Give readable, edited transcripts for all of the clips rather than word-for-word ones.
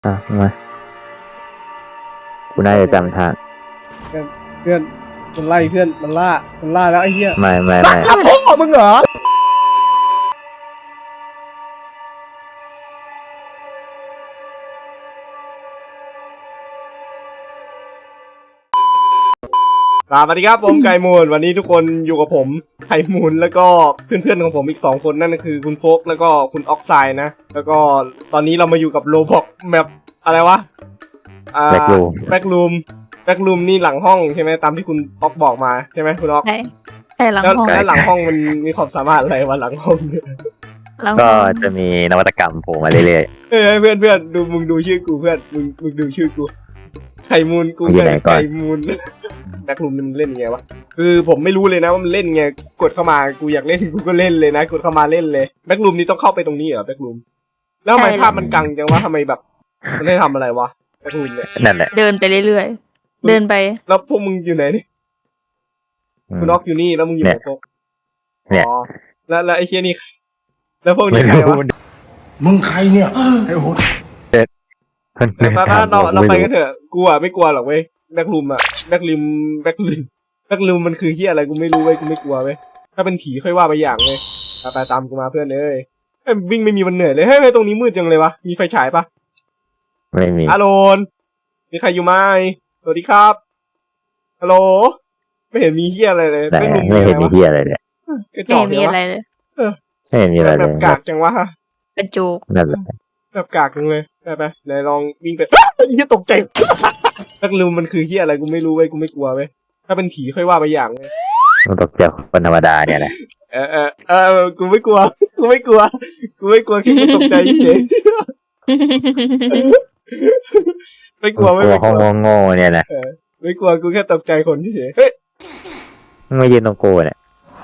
มากูน่าจะจำทางเพื่อนมันไล่เพื่อนมันล่าแล้วไอ้เหี้ยไม่ล่าพ่อมึงเหรอสวัสดีครับผมไก่มูลวันนี้ทุกคนอยู่กับผมไข่มูลแล้วก็เพื่อนๆของผมอีก2คนนั่นก็คือคุณโฟกแล้วก็คุณออกไซด์นะแล้วก็ตอนนี้เรามาอยู่กับโรบอกแมปอะไรวะแบ็กรูมแบ็กรูมนี่หลังห้องใช่ไหมตามที่คุณออกบอกมาใช่ไหมคุณออกใช่หลังห้องแล้วหลังห้องมันมีความสามารถอะไรวะหลังห้องเนี่ยก็จะมีนวัตกรรมโผล่มาเรื่อยเพื่อนดูมึงดูชื่อกูเพื่อนมึงดูชื่อกูไข่มูลกูไข่มูลแบ็กรูมมันเล่นยังไงวะคือผมไม่รู้เลยนะว่ามันเล่นไงกดเข้ามากูอยากเล่นกูก็เล่นเลยนะกดเข้ามาเล่นเลยแบ็กรูมนี้ต้องเข้าไปตรงนี้เหรอแบ็กรูมแล้วทำไมภาพมันกังจังวะทำไมแบบมันได้ทำอะไรวะแบ็กรูมเนี่ยๆนั่นแหละเดินไปเรื่อยๆเดินไปแล้วพวกมึงอยู่ไหนนี่คุณน็อกอยู่นี่แล้วมึงอยู่ไหนพวกอ๋อแล้วไอ้เชี่ยนี่แล้วพวกนี้ใครวะมึงใครเนี่ยไอ้โหดป้าเราไปกันเถอะกูอ่ะไม่กลัวหรอกเว้ยแบ็กรูมแบ็กรูมมันคือเฮียอะไรกูไม่รู้เว้ยกูไม่กลัวเว้ยถ้าเป็นผีค่อยว่าไปอย่างเว้ยไปตามกูมาเพื่อนเลยวิ่งไม่มีวันเหนื่อยเลยเฮ้ยตรงนี้มืดจังเลยวะมีไฟฉายปะไม่มีฮัลโหลมีใครอยู่ไหมสวัสดีครับฮัลโหลไม่เห็นมีเฮียอะไรเลยแต่แบ็กรูมไม่เห็นมีวะที่อะไรเลยกระจไม่อกมีเนี่ยวะอะไรเลยไม่เห็นมีอะไรแบเลยบกากจังวะกระจุกนั่นแหละแบบกากจังเลยไปไหนลองวิ่งไปเฮียตกใจแบ็กรูมมันคือเฮียอะไรกูไม่รู้เว้ยกูไม่กลัวเว้ยถ้าเป็นผีค่อยว่าไปอย่างเว้ยมันตกใจคนธรรมดาเนี่ยแหละกูไม่กลัวแค่กูตกใจเฉยไม่กลัวกลัวห้องโง่ๆเนี่ยนะไม่กลัวกูแค่ตกใจคนเฉยเฮ้ยมึงมายืนตรงกูเนี่ย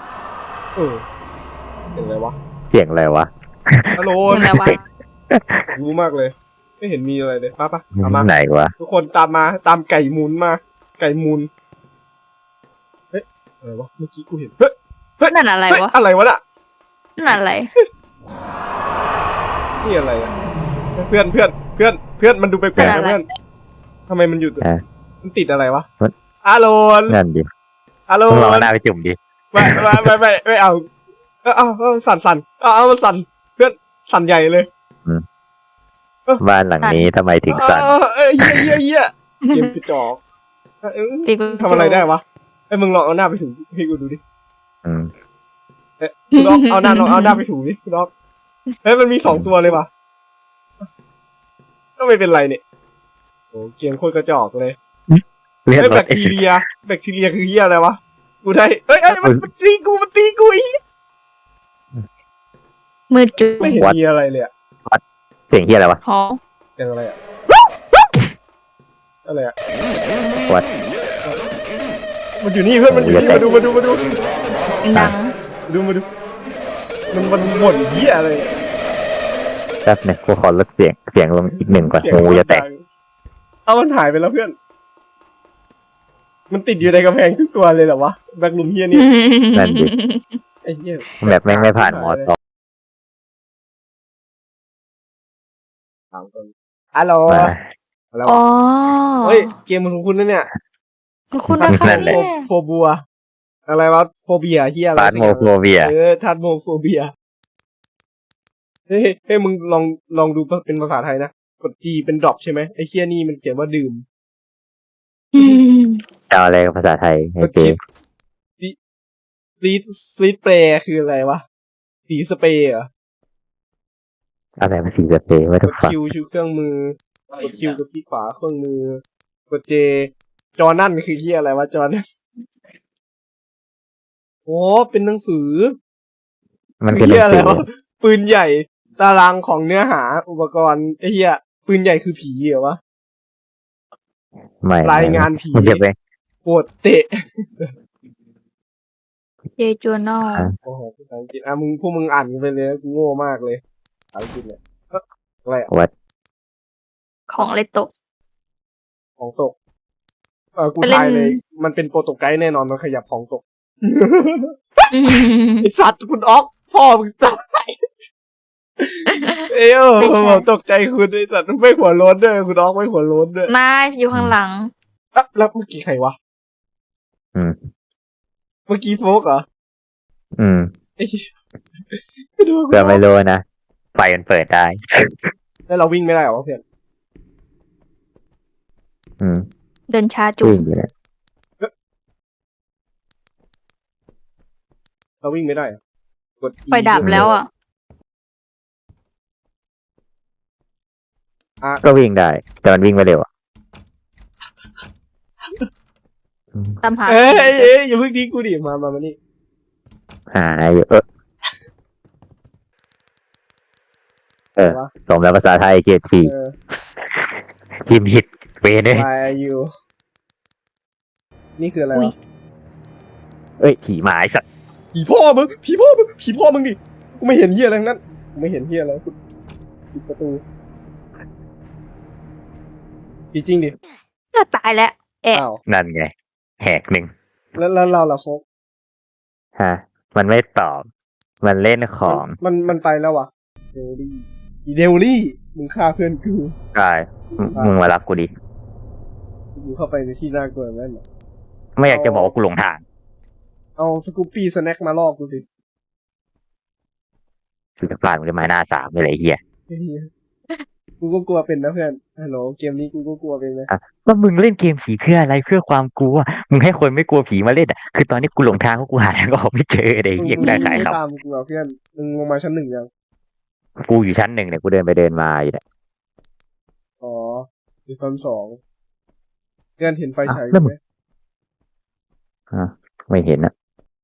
เป็นไรวะเสียงอะไรวะฮัลโหลนั่นแหละว่ารู้มากเลย ไม่เห็นมีอะไรเลยปะเอามาไหนวะทุกคนตามไก่มูลมาไก่มูลเฮ้ยอะไรวะเมื่อกี้กูเห็นเฮ้ยนั่นอะไรวะอะไรวะน่ะนั่นอะไรนี่อะไรอ่ะเพื่อนมันดูแปลกๆนะเพื่อนทำไมมันอยู่มันติดอะไรวะฮัลโหลนั่นดิฮัลโหลมึงลองเอาหน้าไปจุ่มดิไม่เอาสั่นเอามันสั่นเพื่อนสั่นใหญ่เลยบ้านหลังนี้ทำไมถึงสั่นเหี้ยเกมกระจอกทำอะไรได้วะไอ้มึงลองเอาหน้าไปถูให้กูดูดิอืมคุณล็อกเอาหน้าไปถูดิคุณล็อกเฮ้ยมันมี2ตัวเลยว่ะก็ไม่เป็นไรเนี่ยโอ้เกมโคตรกระจอกเลยเรียกเฮ้ยรแบถคทีเรียคือเหี้ยอะไรวะกูได้เอ้ยมันตีกูอีมืดจุดไม่เห็นมีอะไรเลยอะเสียงเฮียอะไรวะหอยังอะไรอะอะไรอะวัดมันอยู่นี่เพื่อนมันอยู่นี่มาดูดังมันบ่นเหี้ยอะไรแป๊บนึงกูขอลดเสียงลงอีกหนึ่งก่อนหูจะแตกเอามันหายไปแล้วเพื่อนมันติดอยู่ในกำแพงทุกตัวเลยเหรอวะแบ็คลุมเหี้ยนี่นั่นดิไอ้เหี้ยแบบแม่งไม่ผ่านมอสองฮัลโหลมาแล้วอ๋อเฮ้ยเกมของคุณนั่นเนี่ยคุณนะคะนั่นแหละเนี่ยโฟบัวอะไรวะโฟเบียเฮียอะไรฟาสโมโฟเวียทัดโมโฟเบียเฮ้ยมึงลองดูเป็นภาษาไทยนะกด G เป็นดรอปใช่ไหมไอ้เฮียนี่มันเขียนว่าดื่มอืมเอาอะไรกับภาษาไทยกให้ดเจซีดเปรย์คืออะไรวะสีสเปรย์เหรออะไรมาสีสเปรย์ไม่กต้องดฟังคิวชูเครื่องมือกดคิวกับที่ขวาเครื่องมือกด J จอนั่นคือเฮียอะไรวะจอนั่นโอ้เป็นหนังสือมันเป็นหเฮีนัยงอะไรสือวะปืนใหญ่ตารางของเนื้อหาอุปกรณ์ไอ้เฮียปืนใหญ่คือผีเหรอวะไม่รายงานผีมันจะเป็นโปวดเตะเจจูนอลโอ้โหภาษาอังกฤษพวกมึงอ่านกันไปเลยกูโง่มากเลยภาษาอังกฤษเนี่ยอะไรอะวัดของเลโตะของตกกูทายเลย มันเป็นโปรโตไกด์แน่นอนมันขยับของตกไอสัตว์คุณออกพ่อมึงตายเอ้ยไม่ใช่ผมตกใจคุณไอ้สัตว์ไม่หัวโล้นด้วยคุณออกไม่หัวโล้นด้วยมาอยู่ข้างหลังอ่ะแล้วเมื่อกี้ใครวะอืมเมื่อกี้โฟกเหรออืมไอ้เหี้ยไม่ดูเพื่อไม่รู้นะไฟมันเปิดได้แล้วเราวิ่งไม่ได้เหรอเพื่อนอืมเดินช้าจุวิ่งงอยู่เนี่ยเราวิ่งไม่ได้เหรอกด E ไฟดับแล้วอ่ะก็วิ่งได้ แต่มันวิ่งไม่เร็วอ่ะอืมตามหาเอ้ยอย่าเพิ่งทิ้งกูดิมานี่หาอยู่สมแล้วภาษาไทยเกรดสี่เออพิมพ์ผิดเวเนี่ย Why are you นี่คืออะไรวะเอ้ยผีหมาไอ้สัตว์ผีพ่อมึงผีพ่อมึงดิกูไม่เห็นเหี้ยอะไรทั้งนั้นกูไม่เห็นเหี้ยอะไรกูปิดประตูผีจริงดิน่าตายแล้ว แอะอ้าวนั่นไงแหกหนึ่งแล้วเราล่ะโฟกฮะ มันไม่ตอบ มันเล่นของมันไปแล้ววะเดลลี่มึงฆ่าเพื่อนกูใช่มึงมารับกูดิกูเข้าไปในที่น่ากลัวนั่นเหรอไม่อยากจะบอกว่ากูหลงทางเอาสกูปปี้สแน็คมาล่อกูสิคือจะฟาดมึงด้วยไม้หน้าสามเลยไอ้เหี้ยเหี้ยกูก็กลัวเป็นนะเพื่อนฮัลโหลเกมนี้กูก็กลัวเป็นนะว่ามึงเล่นเกมผีเพื่ออะไรเพื่อความกลัว มึงให้คนไม่กลัวผีมาเล่นอ่ะ คือตอนนี้กูหลงทางเพราะกูหาทางออกไม่เจอไอ้เหี้ยกูได้ขายไม่ครับตามกูเหรอเพื่อนมึงลงมาชั้นหนึ่งยังกูอยู่ชั้นหนึ่งเนี่ยกูเดินไปเดินมาอยู่เนี่ยอ๋ออยู่ชั้นสองเพื่อนเห็นไฟฉายแล้วมึไหมง ไม่เห็นอ่ะ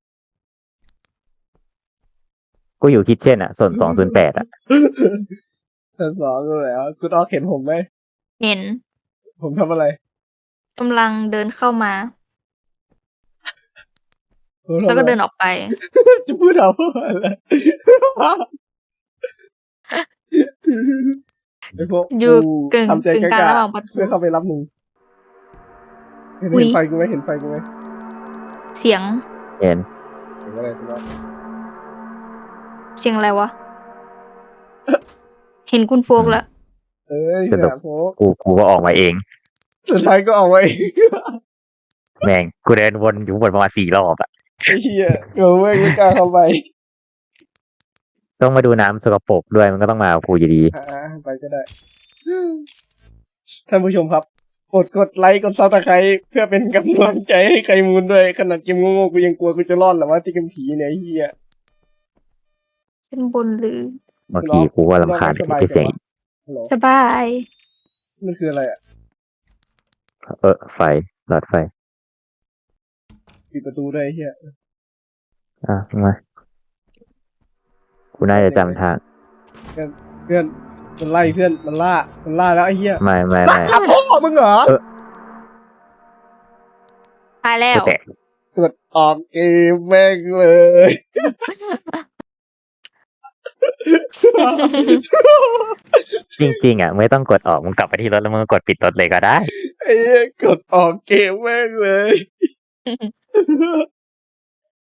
กูอยู่คิดเช่นอ่ะ ส่วน208อ่ะชั้นสองก็แล้วคุณออกเห็นผมไหมเห็นผมทำอะไรกำลังเดินเข้ามาผมทำแล้วก็อะไรเดินออกไปจะพูดเอาอะไรไอ้พวกอยู่กึ่งทำใจกึ่งกกลางล้าระหว่างประตูเพื่อเข้าไปรับมึงเห็นอุ๊ยไฟกูไหมเห็นไฟกูไหมเสียงเห็นเห็นอะไรคุณออกเสียงอะไรวะ เห็นคุณโฟกแล้วเอ้ยเนี่ยโฟกกูก็ออกมาเองสุดท้ายก็เอาไว้แม่ง กูเดินวนอยู่บนประมาณ4 รอบอ่ะไอ้เหี้ยเออไม่กล้าเข้าไปต้องมาดูน้ำสกปรกด้วยมันก็ต้องมากับกูอยู่ดีไปก็ได้ ท่านผู้ชมครับ กดไลค์กดซับสไครต์เพื่อเป็นกำลังใจให้ใครมูลด้วยขนาดเกมโง่ๆกูยังกลัวกูจะรอดหรอว่าที่เกมผีเนี่ยไอ้เหี้ยเป็นบนหรือบางทีกูก็รำคาญที่เสียงฮัลโหลสบายมันคืออะไรอ่ะไฟหลอดไฟปิดประตูด้วยไอ้เหี้ยอ่ะมากูน่าจะจำทางเพื่อนมันไล่เพื่อนมันล่าแล้วไอ้เหี้ยไม่ล่าพ่อมึงเหรอตายแล้กูวแตะกดออกเกมแม่งเลยจริงๆอ่ะไม่ต้องกดออกมึงกลับไปที่รถแล้วมึงก็กดปิดรถเลยก็ได้ไอ้เหี้ยกดออกเกมแม่งเลย